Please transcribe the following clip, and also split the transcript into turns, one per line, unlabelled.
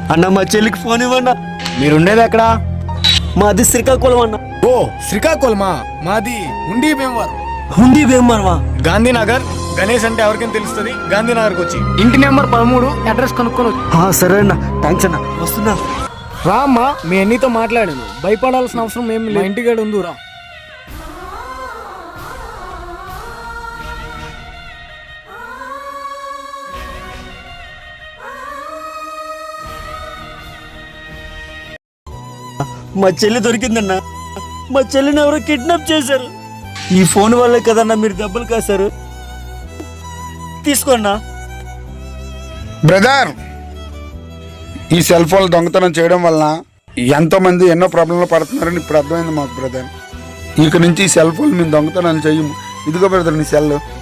అన్న మా చెల్లికి ఫోన్ ఇవ్వన్నా.
మీరుండేది ఎక్కడా?
మాది శ్రీకాకుళం అన్న.
ఓ శ్రీకాకుళమా? మాది ఉండి భీమవరం.
హుండీ భీమవరమా?
గాంధీనగర్. గణేష్ అంటే ఎవరికైనా తెలుస్తుంది. గాంధీనగర్కి వచ్చి ఇంటి నెంబర్ 13 అడ్రస్ కనుక్కొని
సరే అన్న, థ్యాంక్స్ అన్న, వస్తున్నా.
రా అమ్మా, మీ అన్నితో మాట్లాడాను. భయపడాల్సిన అవసరం ఏమి లేదు. ఇంటికాడ ఉండు రా.
మా చెల్లి దొరికిందన్న. మా చెల్లిని ఎవరో కిడ్నాప్ చేశారు. ఈ ఫోన్ వల్లే కదన్నా మీరు దెబ్బలు కాశారు. తీసుకోన్నా.
బ్రదర్, ఈ సెల్ ఫోన్ దొంగతనం చేయడం వలన ఎంతో మంది ఎన్నో ప్రాబ్లంలో పడుతున్నారని ఇప్పుడు అర్థమైంది మాకు బ్రదర్. ఇక నుంచి ఈ సెల్ ఫోన్ మేము దొంగతనాలు చేయము. ఇదిగో బ్రదర్ నీ సెల్.